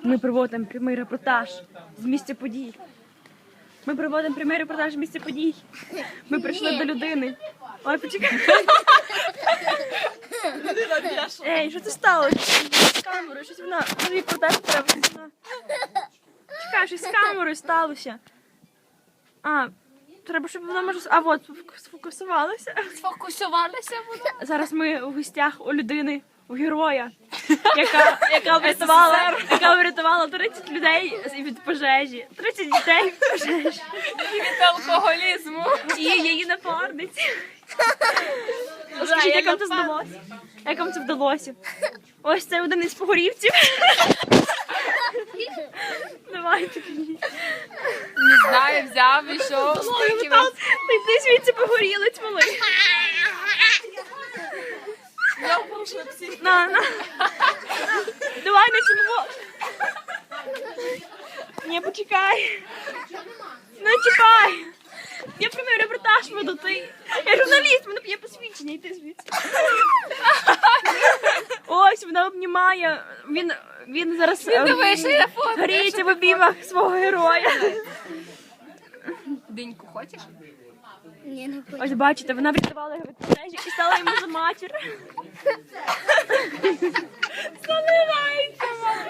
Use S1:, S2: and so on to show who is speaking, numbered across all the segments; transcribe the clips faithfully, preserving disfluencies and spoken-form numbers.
S1: Ми проводимо прямий репортаж з місця подій. Ми проводимо прямий репортаж з місця подій. Ми прийшли до людини. Ой, почекай. Ей, що це сталося? З камерою, щось вона, репортаж треба. Чекай, щось з камерою сталося. А, треба, щоб вона, може, а от, сфокусувалася.
S2: Сфокусувалися вона.
S1: Зараз ми у гостях у людини, у героя, яка, яка врятувала, яка врятувала тридцять людей від пожежі, тридцять дітей від пожежі.
S2: І від алкоголізму.
S1: І її напарниці. Скажіть, як вам це вдалося? Як вам це вдалося? Ось це один із погорівців. Давайте.
S2: Не знаю, взяв, ішов. стільки вас-
S1: Ти звідси погорілець малий.
S2: Я порушила всі.
S1: На, на. Давай на цьому. Ні, почекай. Не чекай. Я прямий репортаж веду, ти. Я журналіст, мене є посвідчення, йди звідси. Ось, вона обнімає. Він, він зараз
S2: Він дивись, що я фото.
S1: гріється в обіймах свого героя.
S2: Диньку хочеш?
S3: Ні, не хочу.
S1: Ось бачите, вона врятувала його від пожежі і стала йому за матір. Заливається, мама.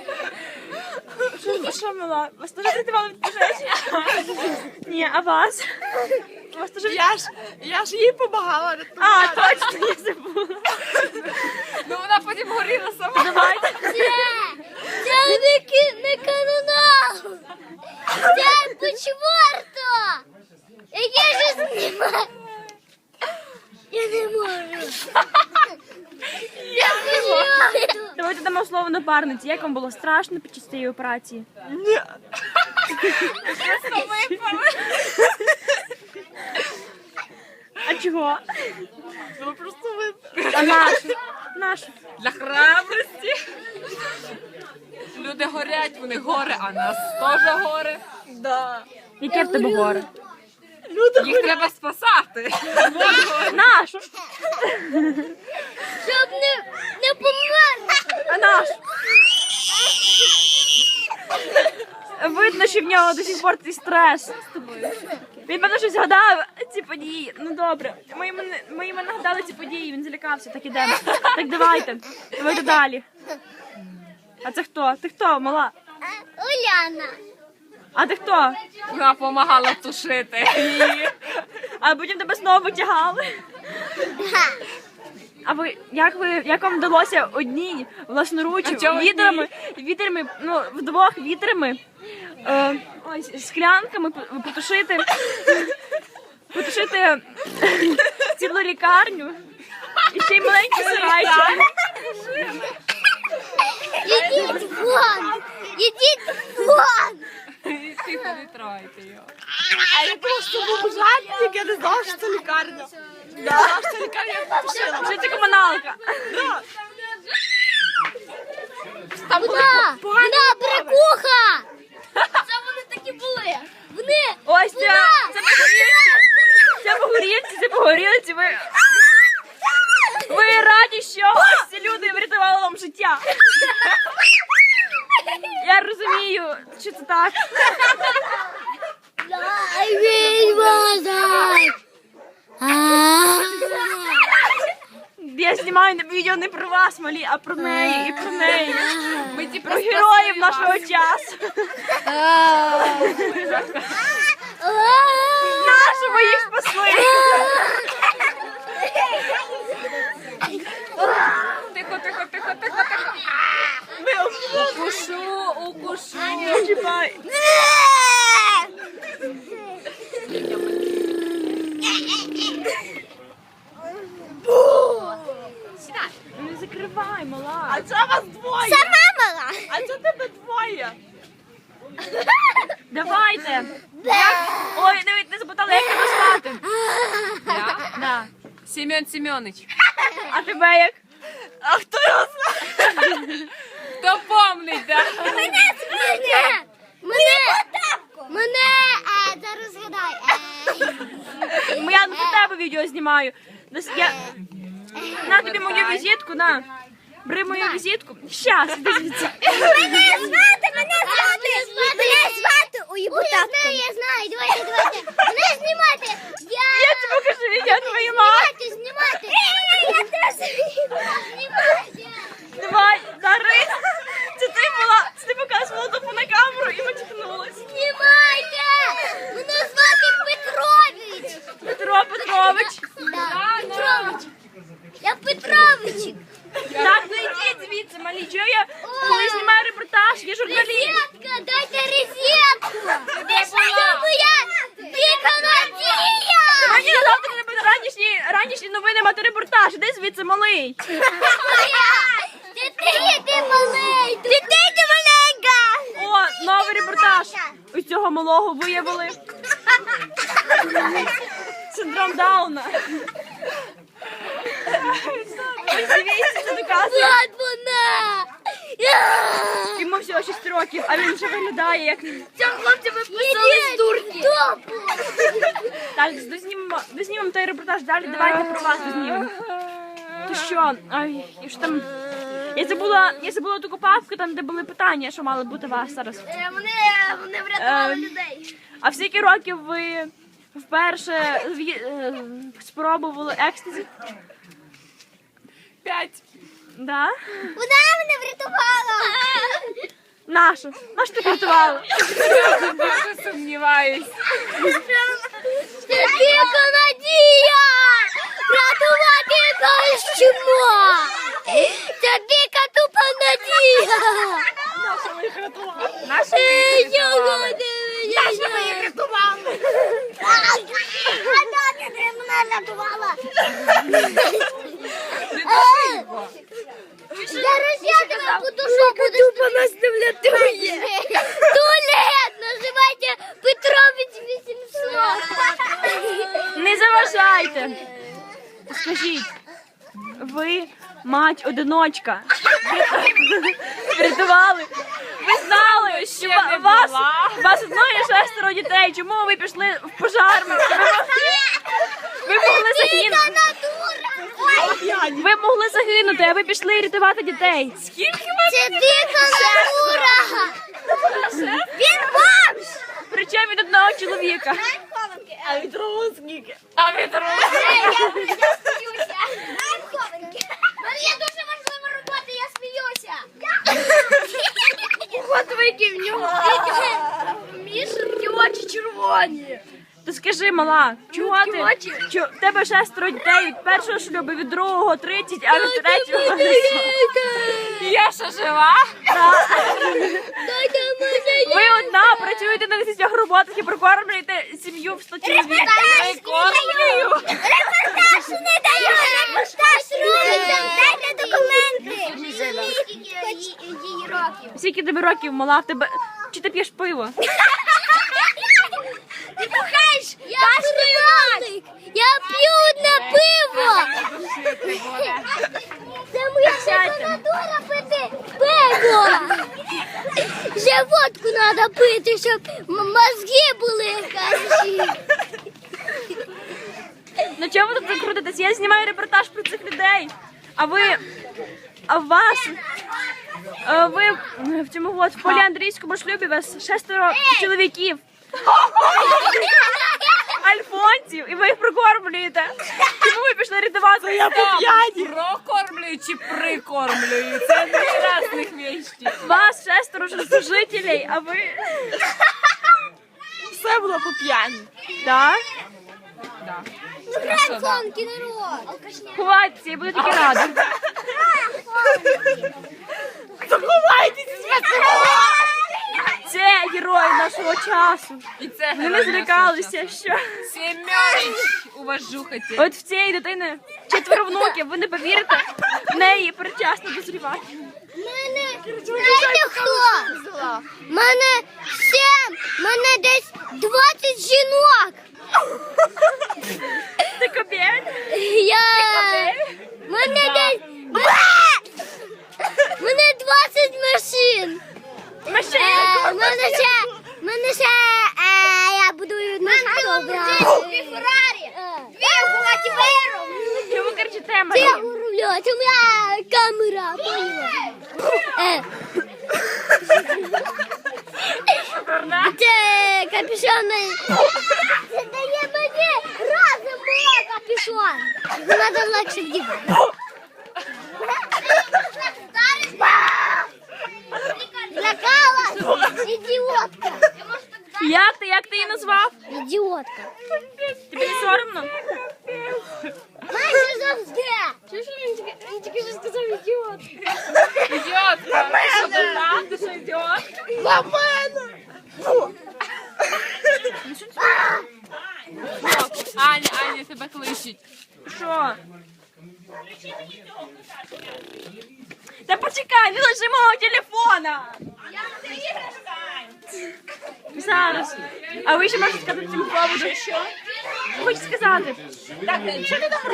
S1: Що, що, мила? Вас теж врятували від пожежі? Ні, а вас? Вас теж від-
S2: Я ж, я ж їй допомагала.
S1: А, точно, я забула.
S2: Ну вона потім горіла сама.
S1: Давайте.
S3: Це, це не, ки- не канонал. Це почворто. Яке ж знімаю? Я не можу. Я почворто.
S1: Давайте дамо слово напарниці. Як вам було страшно під час цієї операції?
S2: Просто випали.
S1: А чого?
S2: Ну просто випали.
S1: А наш? Наш.
S2: Для храбрості. Люди горять, вони горе, а нас теж горе. Да.
S1: Яке в тебе горе?
S2: Їх треба спасати.
S1: Наш.
S3: Щоб не, не померли.
S1: А наш? Видно, що в нього до сих пор цей стрес. Він певно щось згадав ці події. Ну добре, ми йому, не- ми йому нагадали ці події, він злякався, так ідемо. Так давайте, давайте далі. А це хто? Ти хто, мала?
S3: Уляна.
S1: А ти хто?
S2: Вона допомагала тушити.
S1: А потім тебе знову витягали. А ви як ви як вам вдалося одній власноруч
S2: А чого
S1: вітрами, вітрами, ну вдвох вітрами, е, ось склянками по- потушити, потушити цілу лікарню і ще й маленький сарайчик.
S3: Ідіть вон. Ідіть вон.
S2: Тихо, не тройте його.
S4: А я просто був жартик, я не знала, що це лікарня. Я знала, що це лікарня, я потушила.
S1: Що це комуналка?
S3: Вона, вона бракуха. Це вони такі були. Вони.
S1: Ось це, це погорілці, це погорілці, це погорілці. Ви, ви раді, що ось ці люди врятували вам життя. Я розумію, що це так.
S3: I will was
S1: Я знімаю на відео не про вас, малі, а про неї і про неї.
S2: Ми ті
S1: Про героїв нашого часу. Нашу ви їх спасли.
S2: Тихо, тихо, тихо, тихо, тихо. Укушу, укушу.
S1: Не чіпай. Не закривай, мала.
S4: А це вас двоє.
S3: Сама мала.
S4: А це тебе двоє.
S1: Давайте. Ой, дивіться, не запитали, як тебе звати.
S2: Я?
S1: Да.
S2: Семен Семенович.
S1: А тебе як?
S4: А хто його знає?
S2: Хто помнить, да?
S3: Мене, мене, мене, мене, е, зараз згадай. Е,
S1: Я на тебе відео знімаю. Десь Я... На тобі мою візитку, на. Бери мою візитку. Щас, іди звідси.
S3: Мене звати
S1: малий.
S3: Дітей, ти малий. Дітей, ти маленька.
S1: О, новий репортаж. У цього малого виявили синдром Дауна. Ось дивіться, це доказує.
S3: От вона.
S1: Йому всього шість років, а він вже виглядає як...
S3: Цього хлопця ви писали з турки.
S1: Так, дознімемо, дознімемо той репортаж далі, давайте про вас дознімемо. То що, ай, і що там... Я забула, я забула ту копавку, там де були питання, що мали бути у вас зараз.
S3: Вони, вони врятували
S1: Ем.
S3: людей.
S1: А в скільки років ви вперше в'ї- е, спробували екстазі?
S2: П'ять.
S1: Да?
S3: Вона мене врятувала.
S1: Нашу. Нашу ти врятувала?
S2: Я дуже сумніваюсь.
S3: Це тільки надія. Врятувати якогось чмо. Це тільки тупа надія.
S2: Наша ми їх рятували.
S3: Наша ми їх рятували. Вона мене рятувала. Зараз я тебе подушу, буду нас не врятує. Туалет, називайте Петрович вісімсот.
S1: Не заважайте. Скажіть, ви мать-одиночка. Врятували. Ви знали, що
S2: Ще не
S1: ва- вас,
S2: була.
S1: вас одної шестеро дітей. Чому ви пішли в пожарну? Ви могли, ви могли загинути. Ви могли загинути, а ви пішли рятувати дітей.
S3: Це дика натура. Він бомж.
S1: Причому від одного чоловіка.
S2: А від другого.
S3: Я сміюся. Є дуже важлива робота, я сміюся. От виків в нього. Мішки очі червоні.
S1: То скажи, мала, чого ти? Чо, в тебе шестеро дітей від першого шлюбу, від другого тридцять, а від третього...
S2: Я ще жива?
S1: Ви одна працюєте на десятьох роботах і прокормлюєте сім'ю в сто чоловік.
S2: Прикормлюю.
S3: Репортаж не даю, репортаж робиться. Дайте документи. Її років.
S1: Скільки тобі років, мала, в тебе... Чи ти п'єш пиво?
S3: Ти бухаєш? Я п'ю. Я п'ю на пиво. Це моя
S1: Сядьте.
S3: натура пити пиво. Ще водку треба пити, щоб м- мозги були хороші.
S1: Ну чого ви тут закрутитесь? Я знімаю репортаж про цих людей. А ви... А вас... а ви в цьому от, в поліандрійському шлюбі вас шестеро чоловіків. Альфонсів, і ви їх прокормлюєте. Чому ви пішли рятувати? Я
S2: Прокормлюю чи прикормлюю? Це дві різних вещі.
S1: Вас шестеро жителей, а ви...
S4: Все було по п'яні.
S1: Так?
S3: Конки народ.
S1: Ховайтеся, я буду тільки рада.
S4: Заховайтеся!
S1: Це герої нашого часу.
S2: І це
S1: Вони не злякалися, що...
S2: Семёныч, уважухайте.
S1: От в цієї дитини четверо внуків, ви не повірите, в неї причасно дозрівати.
S3: Мене, знаєте хто? Мене сім, мене десь двадцять жінок.
S1: Ти кобєль?
S3: Я... Мене десь... Мене двадцять машин.
S1: Машина.
S3: Е, Мене ще... Мене ще... е, Я будую машину. Дві Феррарі. Дві Бугаті Вейрон.
S1: Чому ви кричите,
S3: Це
S1: Марія?
S3: рулю, це моя камера. поняла? Е. Це капюшон. Це дає мені разом мого капюшон. Надо легше вдівати. Злякалась? Ідіотка.
S1: Як ти, як ти її назвав?
S3: Ідіотка.
S1: Тобі не соромно?
S3: Майже завжди. Чуєш, він тільки, він тільки що сказав ідіотка.
S2: Ідіотка. Ти що, дурна? Ти що, ідіотка?
S1: Ну,
S2: Аня, Аня тебе кличуть.
S1: Що? Та почекай, не лежи мого телефона! Зараз. А ви ще можете сказати цьому поводу? Що? Хочу сказати.
S4: Так, що ти там